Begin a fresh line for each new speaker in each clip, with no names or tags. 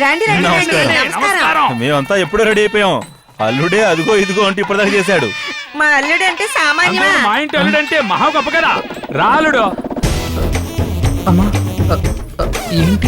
రండి రండి రండి. నమస్కారం.
మేమంతా ఎప్పుడో రెడీ అయిపోయాం. అల్లుడే అదిగో ఇదిగో అంటే ఇప్పటిదాకా చేశాడు.
మా అల్లుడు అంటే సామాన్యమా?
మా ఇంటి అల్లుడు అంటే మహా గొప్ప కదా. రాలుడు
అమ్మా ఏంటి?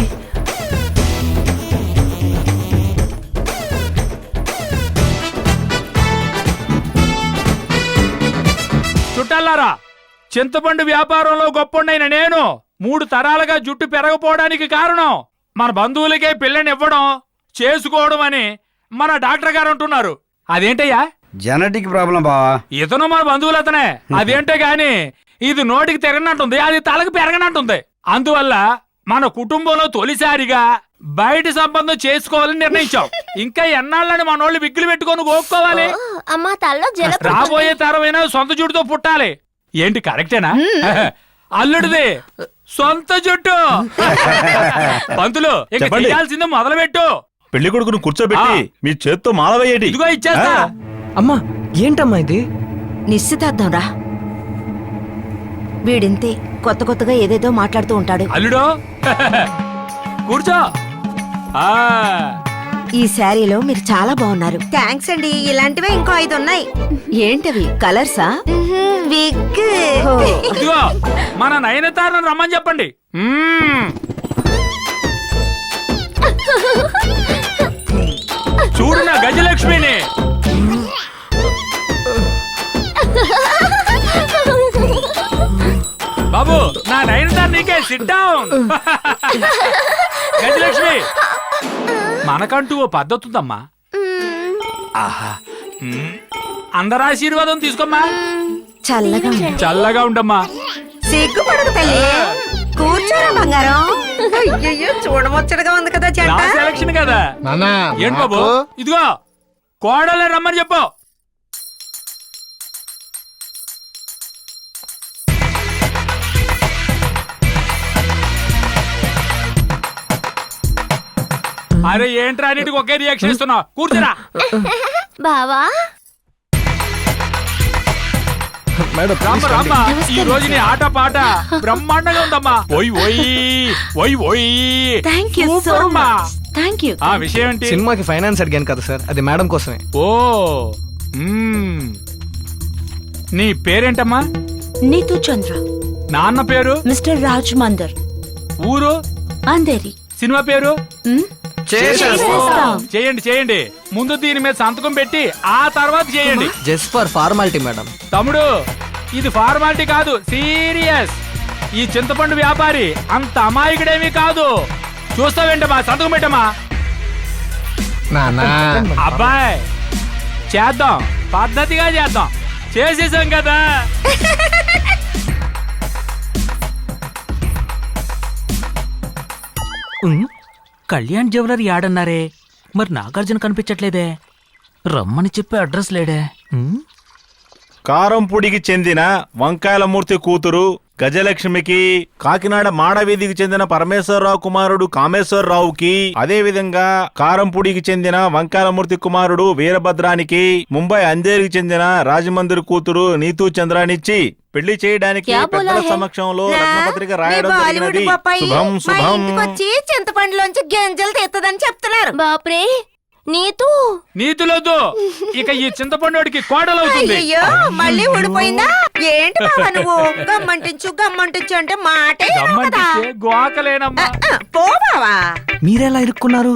చుట్టాలారా, చింతపండు వ్యాపారంలో గొప్పండైన నేను 3 తరాలుగా జుట్టు పెరగపోవడానికి కారణం మన బంధువులకే పిల్లని ఇవ్వడం చేసుకోవడం అని మన డాక్టర్ గారు అంటున్నారు. అదేంటయ్యా?
జెనెటిక్ ప్రాబ్లం బావా.
ఇతను మన బంధువులు అతనే. అదేంటే గాని ఇది నోటికి తిరగనంటుంది, అది తలకు పెరగనంటుంది. అందువల్ల మన కుటుంబంలో తొలిసారిగా బయట సంబంధం చేసుకోవాలని నిర్ణయించాం. ఇంకా ఎన్నాళ్ళని మనోళ్ళు విగ్గులు పెట్టుకొని గోక్కోవాలి.
అమ్మా తల్లో
రాబోయే తరమైనా సొంత జుట్టుతో పుట్టాలి. ఏంటి కరెక్టేనా? అల్లుడిది సొంత జుట్టు. పంతులు ఇక
చెప్పండి.
చేయాల్సిందే మొదలుపెట్టు.
పెళ్లి కొడుకును కూర్చోబెట్టి మీ చేత్తో మాల వేయటి.
ఇదిగో ఇచ్చేస్తా.
అమ్మా ఏంటమ్మా ఇది?
నిశ్చితార్థం రా. వీడింతే కొత్త కొత్తగా ఏదేదో మాట్లాడుతూ ఉంటాడు.
అల్లుడు కూర్చో. ఆ
ఈ శారీలో మీరు చాలా బాగున్నారు. థ్యాంక్స్ అండి. ఇలాంటివే ఇంకో 5 ఉన్నాయి. ఏంటవి కలర్సా? విగ్.
ఇదిగో మన నయనతారను రమ్మని చెప్పండి. చూడు నా గజలక్ష్మిని. బాబు నా నయనతార నీకే. Sit down. గజలక్ష్మి, మనకంటూ ఓ పద్ధతి ఉందమ్మా. ఆహా. అందరి ఆశీర్వాదం తీసుకోమ్మా.
చల్లగా ఉంది.
చల్లగా ఉండమ్మా.
సిగ్గుపడకు తల్లి. కూర్చోరా బంగారం. అయ్యయ్యో చూడముచ్చటగా ఉంది కదా
నా
చెట్ట.
సెలక్షన్ కదా. ఏంటి బాబు? ఇదిగో కోడలే రమ్మని చెప్పు. అరే ఏంట్రా అన్నిటికి ఒకే రియాక్షన్ ఇస్తున్నావు? కూర్చోరా.
బావా
రామ్మ రామ్మ, ఈ రోజు నీ ఆట పాట బ్రహ్మాండంగా ఉందమ్మా. ఓయ్ ఓయ్ ఓయ్ ఓయ్.
థ్యాంక్ యూ సో
సూపర్ అమ్మా.
మచ్. Thank you.
ఆ విషయం ఏంటి?
సినిమాకి ఫైనాన్స్ అడిగాను కదా సార్, అది మేడం కోసమే.
ఓ నీ పేరేంటమ్మా?
నీతు చంద్ర.
నాన్న పేరు?
మిస్టర్ రాజ్ మందర్.
ఊరు?
అంధేరి.
సినిమా పేరు?
చేసేస్తాం.
చేయండి చేయండి. ముందు దీని మీద సంతకం పెట్టి ఆ తర్వాత చేయండి.
Just for formality madam.
తమ్ముడు, ఇది ఫార్మాలిటీ కాదు, సీరియస్. ఈ చింతపండు వ్యాపారి అంత అమాయకుడేమీ కాదు. చూస్తావేంటమ్మా? సంతకం పెట్టమ్మా. అబ్బాయ్ చేద్దాం, పద్ధతిగా చేద్దాం. చేసేసాం కదా.
కళ్యాణ్ జ్యువెలరీ యాడన్నారే, మరి నాగార్జున కనిపించట్లేదే. రమ్మని చెప్పి అడ్రస్ లేడే.
కారంపూడికి చెందిన వంకాయలమూర్తి కూతురు గజలక్ష్మికి, కాకినాడ మాడవీధికి చెందిన పరమేశ్వరరావు కుమారుడు కామేశ్వరరావుకి, అదే విధంగా కారంపూడికి చెందిన వంకాయలమూర్తి కుమారుడు వీరభద్రానికి, ముంబై అంధేరికి చెందిన రాజమందిర్ కూతురు నీతూ చంద్రానిచ్చి పెళ్లి చేయడానికి పెద్దల సమక్షంలో రత్నపత్రిక రాయడం జరిగినది. శుభం శుభం.
చింతపండులోంచి గింజలు తెత్తదని చెప్తున్నారు.
బాప్రే నీతూ
నీతులొద్దు, ఇక ఈ చింతపండుడికి కోడలవుతుంది.
అయ్యో మళ్ళీ ఊడిపోయిందా ఏంటి బావా నువ్వు? గమ్మంటించు గమ్మంటించు అంటే మాటే
గమ్మంటించే గోకలేనమ్మా.
పో బావా.
మీరెలా ఇరుక్కున్నారు?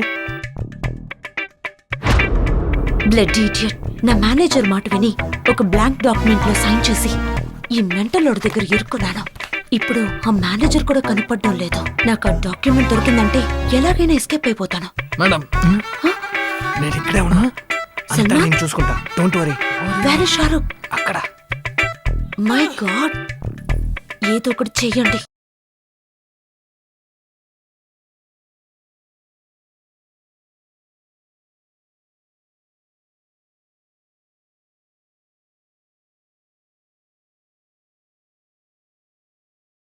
Blood idiot. నా మేనేజర్ మాట విని ఒక బ్లాంక్ డాక్యుమెంట్ లో సైన్ చేసి ఈ మెంటల్ లోడ్ దగ్గర ఇరుక్కున్నాను. ఇప్పుడు ఆ మేనేజర్ కూడా కనపడడం లేదు. నాకు ఆ డాక్యుమెంట్ దొరికిందంటే ఎలాగైనా ఎస్కేప్ అయిపోతాను.
మేడం నేను ఇక్కడే ఉన్నా, అంతా నేను చూసుకుంటా. Don't worry.
వేరే షారుఖ్
అక్కడ.
మై గాడ్, ఏదో ఒకటి చెయ్యండి.